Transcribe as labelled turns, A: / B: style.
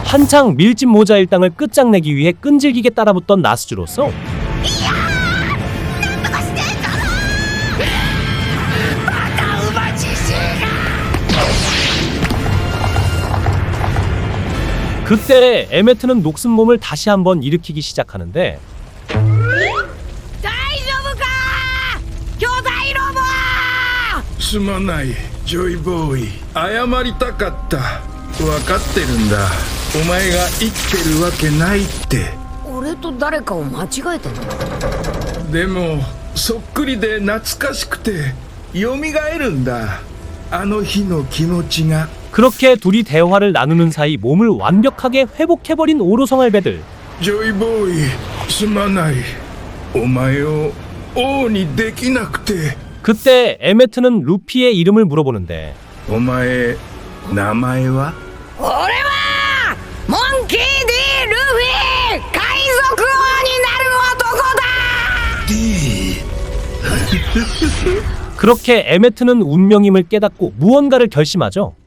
A: 한창 밀짚 모자 일당을 끝장내기 위해 끈질기게 따라붙던 나스즈로서 그때 에메트는 녹슨 몸을 다시 한번 일으키기 시작하는데
B: すまないジョイボーイ謝りたかった分かってるんだお前が生きてるわけないって
C: 俺と誰かを間違えてる。
B: でもそっくりで懐かしくて蘇るんだあの日の気持ちが
A: 그렇게 둘이 대화를 나누는 사이 몸을 완벽하게 회복해버린 오로성알배들.
B: ジョイボーイすまないお前を王にできなくて
A: 그때 에메트는 루피의 이름을 물어보는데
B: お前名前は
C: 俺はモンキー D ルフィ海賊王になる男だ。
B: D
A: 그렇게 에메트는 운명임을 깨닫고 무언가를 결심하죠.